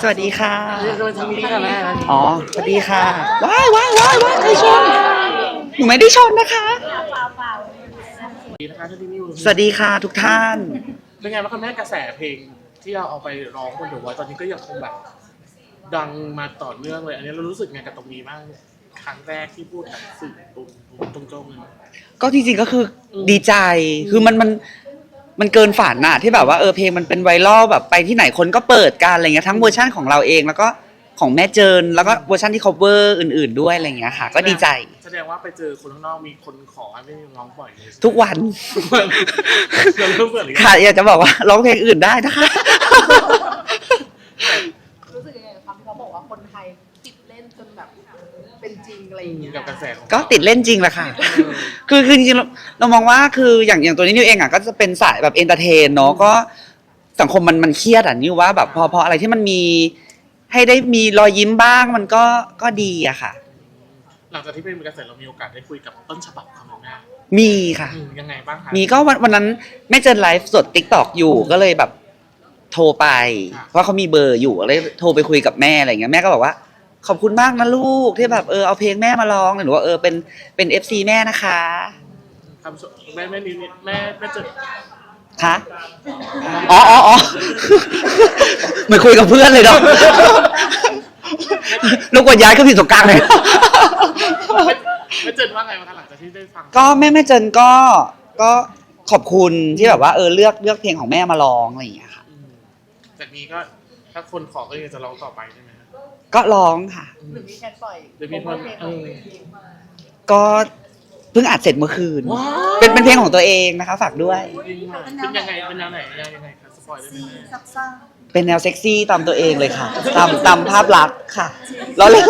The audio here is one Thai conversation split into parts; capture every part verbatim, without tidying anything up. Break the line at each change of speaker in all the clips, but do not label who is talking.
วัสดีค่ะ
เรียกว่าทางนี้ค่ะแม่
อ๋อสวัสดีค่ะว้ายว้ายว้ายว้ายใครชนหนูไม่ได้ชนนะคะสวัสดีค่ะทุกท่าน
เป็นไงบ้างคะแม่กระแสเพลงที่เราเอาไปร้องบนเดอะวอยซ์ตอนนี้ก็ยังคงแบบดังมาต่อเนื่องเลยอันนี้เรารู้สึกไงกับตรงนี้บ้างครั้งแรกที่พูดกับสื่อตรงตรงตรงเลย
ก็จริงๆก็คือดีใจคือมันมันมันเกินฝันอะที่แบบว่าเออเพลงมันเป็นไวรัลแบบไปที่ไหนคนก็เปิดกันอะไรเงี้ยทั้งเวอร์ชั่นของเราเองแล้วก็ของแม่เจินแล้วก็เวอร์ชันที่ cover อื่นๆด้วยอะไรเงี้ยค่ะก็ดีใจ
แสดงว่าไปเจอคนข้างนอกมีคนขอให้ไม่ร้องบ่อยเลย
ทุกวัน
เราเริ่มเปิดเลย
ค่ะอยากจะบอกว่าร้องเพลงอื่นได้นะคะ
รู้สึกยังไงครับที่เขาบอกว่าคนไทยติดเล่นจนแบบเป็นจริงอะไรอย่างเงี้ย
กับกระแส
ก็ติดเล่นจริงแหละค่ะคือคือจริงๆเรามองว่าคืออย่างอย่างตัวนี้นิวเองอ่ะก็จะเป็นสายแบบเอนเตอร์เทนเนาะก็สังคมมันมันเครียดอ่ะนิวว่าแบบพอพออะไรที่มันมีให้ได้มีรอยยิ้มบ้างมันก็ก็ดีอะค่ะ
หลังจากที่เป็นกระแสเรามีโอกาสได้คุยกับต้นฉบับของแม่
มีค่ะ
ยังไงบ้างคะ
มีก็วันวันนั้นแม่เจนไลฟ์สด ติ๊กต็อก อยู่ก็เลยแบบโทรไปเพราะเขามีเบอร์อยู่เลยโทรไปคุยกับแม่อะไรเงี้ยแม่ก็บอกว่าขอบคุณมากนะลูกที่แบบเออเอาเพลงแม่มาร้องหรือว่าเออเป็นเป็น เอฟ ซี แม่นะคะ
คำแม่แม่นิดแม่แม่เจน
คะอ๋ออ๋ออ๋อเหมือนคุยกับเพื่อนเลยเนาะลูกกดย้ายก็ผิดตรงกลางเลย
แม่เจนว่าไงบ้างหลังจากที่ได้ฟัง
ก็แม่แม่เจนก็ก็ขอบคุณที่แบบว่าเออเลือกเลือกเพลงของแม่มาร้องอะไรอย่างเงี้ยค่ะ
จากนี้ก็ถ้าคนขอก็ยังจะร้องต่อไปใช่ไหม
ก็ร้องค่ะ
หรือมีแคนปล่อย
หรือมีคน
ก็เพิ่งอัดเสร็จเมื่อคืนเป็นเป็นเพลงของตัวเองนะคะฝากด้วย
เป็นยังไงเป็นแนวไหนยังไงคะสปอยได้ไหม
เป็นแนวเซ็กซี่ตามตัวเองเลยค่ะตามตามภาพลักษณ์ค่ะเราเลย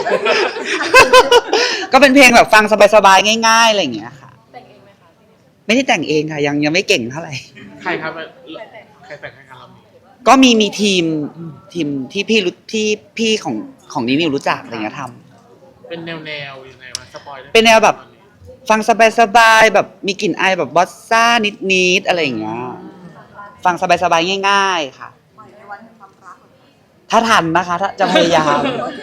ก็เป็นเพลงแบบฟังสบายๆง่ายๆอะไรอย่างเงี้ยค่ะ
แต่งเองไหมคะ
ไม่ได้แต่งเองค่ะยังยังไม่เก่งเท่าไหร่
ใครครับใครแต่งให้ครับเรา
ก็มีมีทีมทีมที่พี่รู้ที่พี่ของของนิวรู้จักอะไรเงี้ยท
ำเป็นแนวแนวยังไงวะสปอยได้
เป็นแนวแบบฟังสบายๆแบบมีกลิ่นอายแบบบอสซ่านิดๆอะไรอย่างเงี้ยฟังสบายๆง่ายๆค่ะถ้าทันนะคะถ้าจะพยายาม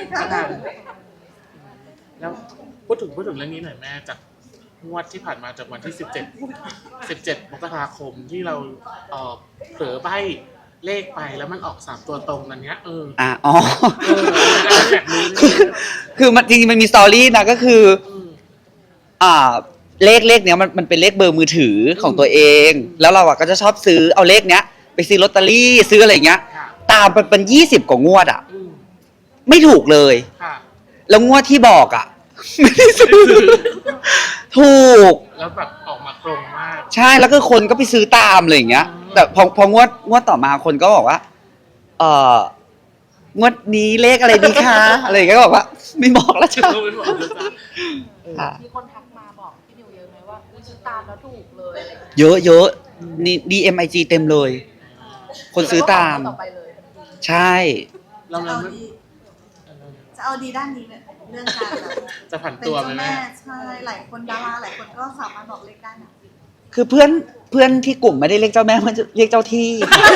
แล้วพูดถึงพูดถึงเรื่องนี้หน่อยแม่จากงวดที่ผ่านมาจากวันที่สิบเจ็ด สิบเจ็ดมกราคมที่เราเอ่อเผลอใบ้เลขไปแล้วมันออกสามตัวตรงนั้นเนี้ยเออ
อ่ะอ๋อ
แบบนี้
คือมันจริงๆมันมีสตอรี่นะก็คืออ่าเลขเลขเนี้ยมันมันเป็นเลขเบอร์มือถือของตัวเองแล้วเราอ่ะก็จะชอบซื้อเอาเลขเนี้ยไปซื้อลอตเตอรี่ซื้ออะไรเงี้ยตามมันเป็นยี่สิบกว่างวดอ่ะไม่ถูกเลยแล้วงวดที่บอกอ่ะไม่ได้ซื้อถูก
แล้วแบบออกมาตรงมาก
ใช่แล้วก็คนก็ไปซื้อตามอะไรอย่างเงี้ยแต่พอพองวดงวดต่อมาคนก็บอกว่าเอองวดนี้เลขอะไรดีคะอะไรอย่างเงี้ยก็บอกว่าไม่บอกแล้วจ้ะ
มีคนทักมาบอกพี่นิวเยอะไหมว่าซื้อตามแล้วถูกเลย
เยอะเยอะนี่ ดี เอ็ม ไอ จี เต็มเลยคนซื้อตามใช่
เราเรา
จะเอาดีด้านนี้เนี่ยเรื่องการ
จะผันตัวไป
แม่ใช่หลายคนดาราหลายคนก็สามารถบอกเลขได้นะ
คือเพื่อนเพื่อนที่กลุ่มไม่ได้เรียกเจ้าแม่มันเรียกเจ้าที่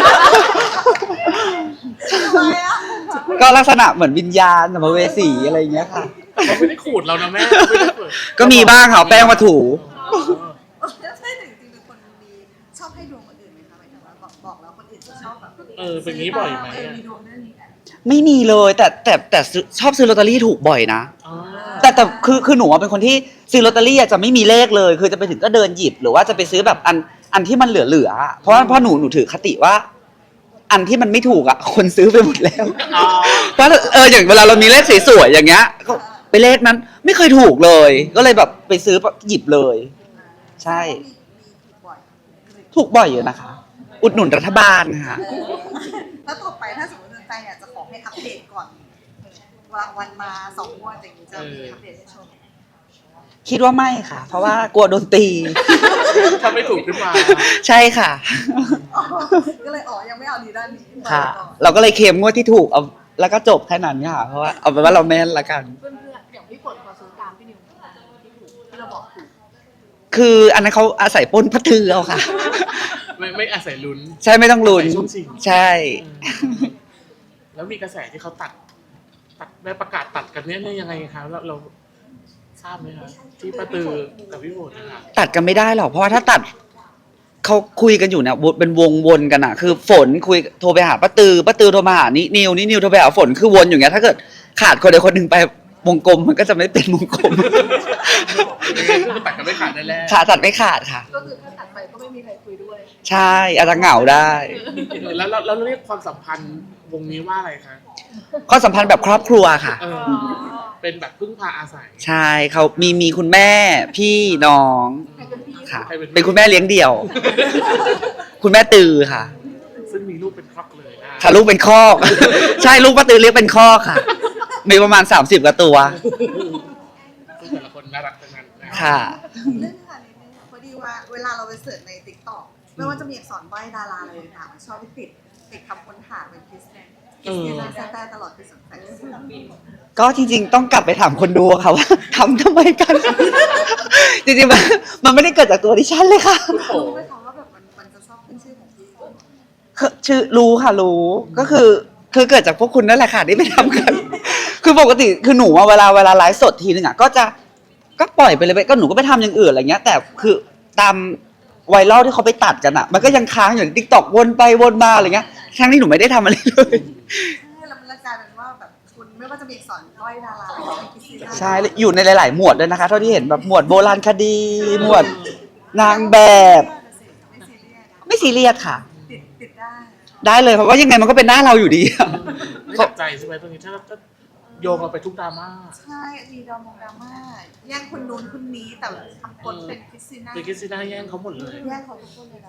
ก็ลักษณะเหมือนวิญญาณสัมภเวสีอะไรอย่างเงี้ยค่ะ
เขาไม่ได้ขูดเรานะแม่
ก็มีบ้างค่ะแป้งมาถู
ใช่จริงๆเป็นคนมีชอบให้ดวงคนอื่นไหมคะหมายถึงว่าบอกแล้วคนอื่นจะชอบแบบ
เออเป็นงี้บ่อยไหม
มีดวงเรื่องนี้
ไม่มีเลยแต่แต่แต่ชอบซื้อลอตเตอรี่ถูกบ่อยนะแต่แต่คือคือหนูเป็นคนที่ซื้อลอตเตอรี่จะไม่มีเลขเลยคือจะไปถึงก็เดินหยิบหรือว่าจะไปซื้อแบบอันอันที่มันเหลือๆเพราะเพราะหนูหนูถือคติว่าอันที่มันไม่ถูกอ่ะคนซื้อไปหมดแล้วเพราะเอออย่างเวลาเรามีเลขสวยๆอย่างเงี้ยก็ไปเลขนั้นไม่เคยถูกเลยก็เลยแบบไปซื้อหยิบเลยใช่ถูกบ่อยอยู่นะคะอุดหนุนรัฐบาลค่ะ
แล้วต่อไปถ้าสมมติแฟนอยากจะขอให้อัปเดตก่อนวางวันมาสองงวดอย่างนี้จะมีอัปเดตให้ชม
คิดว่าไม่ค่ะเพราะว่ากลัวโดนตี
ถ้าไม่ถูกขึ้นมา
ใช่ค่ะ
ก็เลยอ๋อยังไม่เอาดีด้านนี้
ค่ะเราก็เลยเคลมงวดที่ถูกเอาแล้วก็จบแค่นั้นค่ะเพราะว่าเอาเป็นว่าเราแม่นละกัน
เพื่อนๆอย่างพี่ฝนพอซื้อตามพี่นิวที่ถูกที่เราบอกถูก
คืออันนั้นเขาอาศัยปนพัทือเอาค่ะ
ไม่ไม่อาศัยลุ้น
ใช่ไม่ต้องลุ้นใช่
แล้วมีกระแสที่เขาตัด ตัดได้ประกาศตัดกันเนี่ยเนี่ยยังไงคะเราเราทราบไหมคะที่ป้าตือกับพี่โบดนะคะ
ตัดกันไม่ได้หรอกเพราะว่าถ้าตัดเขาคุยกันอยู่เนี่ยเป็นวงวนกันอะคือฝนคุยโทรไปหาป้าตือป้าตือโทรมาหานินิวนินิวโทรไปหาฝนคือวนอยู่เงี้ยถ้าเกิดขาดคนใดคนหนึ่งไปวงกลมมันก็จะไม่เป็นวงกลม
คือตัดกันไม่ขาดแน่ๆ
ขาตัดไม่ขาดค่ะ
ก็คือถ้าตัดไปก็ไม่มีใครคุยด้วย
ใช่อาจจะเหงาได้
แล้วเราเราเรียกความสัมพันธ์วงนี้ว่าอะไรคะ
ข้อสัมพันธ์แบบครอบครัวค่ะ
เออเป็นแบบพึ่งพาอาศัย
ใช่เขามีมีคุณแม่พี่น้อง
ใครเป็นพี่
ค่ะ
ใครเป็นพี่
เป็นคุณแม่เลี้ยงเดี่ยว คุณแม่ตือค่ะ
ซึ่งมีลูกเป็นครอบเลยนะ
ค่ะลูกเป็นคอก ใช่ลูกป้าตือเลี้ยงเป็นคอกค่ะ มีประมาณสามสิบกว่าตัว
ซึ่งแต่ละคนน่ารักทั้งนั้นนะ
ค่ะ
เรื่องค่ะนิดนึงพอดีว่าเวลาเราไปเสิร์ชในติ๊กต็อกไม่ว่าจะมีอักษรใบ้ดาราอะไรต่างๆมันชอบไปติดติดคำค้นหาเป็นคริสเตียนคริสเตียนแท้ๆตลอดปีสองพันสิบสาม
ก็จริงๆ ต้องกลับไปถามคนดูค่ะว่า ทำทำไมกัน จริงๆมันมันไม่ได้เกิดจากตัวดิฉันเลยค่ะ
รู้ไหมคะว่าแบบมันมันจะชอบขึ้นชื่อของพี่
คือชื่อรู้ค่ะรู้ก็คือคือเกิดจากพวกคุณนั่นแหละค่ะที่ไปทำกัน คือปกติคือหนูอะเวลาเวลาไลฟ์สดทีนึงอะก็จะก็ปล่อยไปเลยไปก็หนูก็ไปทำอย่างอื่นอะไรเงี้ย แต่คือตามไวรัลที่เขาไปตัดกันอะมันก็ยังค้างอยู่ในทิกตอกวนไปวนมาอะไรเงี้ยทั้งที่หนูไม่ได้ทำอะไรเลย
ใช่แล้วมันกลายเป็นว่าแบบคุณไม่ว่าจะมีอักษรใบ้ดาราอะไรเป็นคริสเตียน
ใช่อยู่ในหลาย ๆ หมวดด้วยนะคะ เท่าที่เห็นแบบหมวดโบราณคดี หมวดนางแบบ
ไม่ซีเรียส
ไม่ซีเรียสค่ะ
ติดติดได้
ได้เลยเพราะว่ายังไงมันก็เป็นหน้าเราอยู่ดีอะ
ไม่หนักใจใช่ไหมตรงนี้ถ้าถ้าโยงเราไปทุกดราม่า
ใช่มีดราม่าดราม่าแย่งคนนู้นคนนี้แต่ทำคนเป็นคริสติน่า
เป็นคริสติน่าแย่งเขาหมดเลย
แย่งเขาทุกคนเลยนะ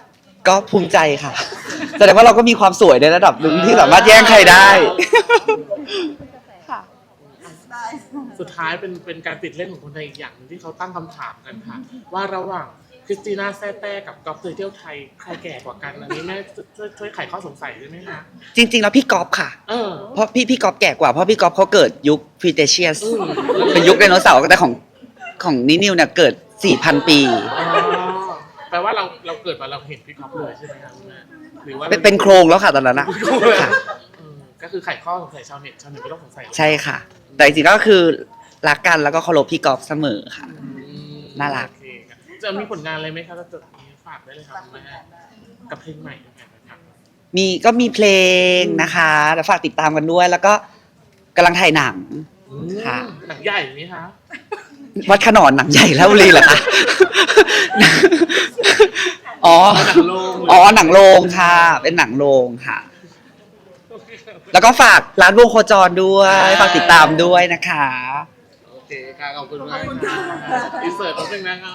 ก็ภูมิใจค่ะ แสดงว่าเราก็มีความสวยในระดับหนึ่งที่สามารถแย่งใครได้ ค่ะ
ได้
สุดท้ายเป็นเป็นการติดเล่นของคนไทยอีกอย่างหนึงที่เขาตั้งคำถามกันค่ะ ว่าระหว่างคริสติน่าแซ่แต้กับก๊อฟเตยเที่ยวไทยใครแก่กว่ากันอันนี้แม่ช่วยช่วยไขข้อสงสัยได้ไหมคะ
จริง ๆ แล้วพี่ก๊อฟค่ะ
เออ
เพราะพี่พี่ก๊อฟแก่กว่าเพราะพี่ก๊อฟเขาเกิดยุคฟรีเตเชียส
อืม
เป็นยุคไดโนเสาร์แต่ของของนินิวเนี่ยเกิด สี่พัน ปี
อ๋อแปลว่าเราเราเกิดมาเราเห็นพี่ก๊อฟเลยใช่ไหมคะคุณแม่หรือว่า
เป็นเป็นโครงแล้วค่ะตอนนั้นนะค่ะ
เออก็คือไขข้อสงสัยชาวเน็ตชาวเน็ตไม่ต้องสงสัยหรอก
ใช่ค่ะ แต่จริงๆก็คือรักกันแล้วก็เคารพพี่ก๊อฟเสมอค่ะ
อืม
น่ารัก
โอเคครับจะมีผลงานอะไรไหมคะถ้าจะมีฝากได้เลยครับคุณแม่กับเพลงใหม่ด้วยกันนะครับ
มีก็มีเพลงนะคะเดี๋ยวฝากติดตามกันด้วย แล้วก็กำลังถ่ายหนัง ค่ะ
หนังใหญ่ไหมคะ
วัดขนอนหนังใหญ่แล้วบุรีเหรอคะ อ๋อ
หนังโรง
อ๋อ หนังโรงค่ะ เป็นหนังโรงค่ะ แล้วก็ฝากร้านวงโคจรด้วย ฝากติดตามด้วยนะคะ
โอเคค่ะขอบคุณมากค่ะอินเสิร์ตแป๊บนึงนะคะ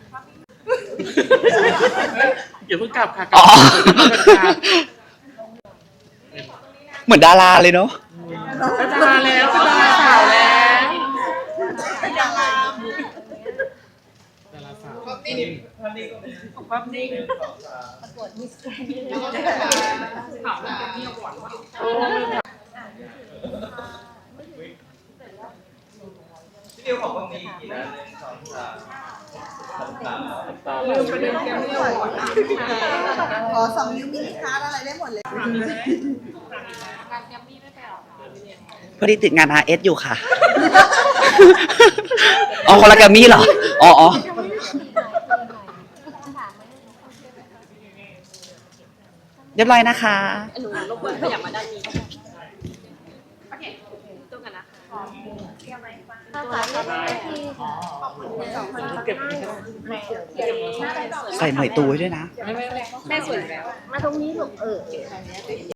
อย่าเพิ่งกลับค่ะกลั
อ๋อ
ค่ะ
เหมือนดาราเลยเนาะ
เป็นดาราแล้วเป็นดาราสาวแล้ว
เป็นดารา
ดาราสาว
พี่นิวของพวกนี้กี่นะหนึ่งสองสามสองสาม
ขอสองนิ้วมินิคาร์ดอะไรได้หมดเลย
งานแกมมี่ไม่ไปหรอคะพี่เนี่ย
พอดีติดงาน อาร์ เอส อยู่ค่ะ อ๋อคนละแกรมมี่เหรอ อ๋ออ๋อเรียบร้อยนะคะ
หนูรบกวนขยับมาด้านนี้โอเคตรงกันนะคะ
เก็บ
ใส่หน่อยตูไว้ด้วยนะ
แม่สวยแล้ว มาตรงนี้ลูกเออ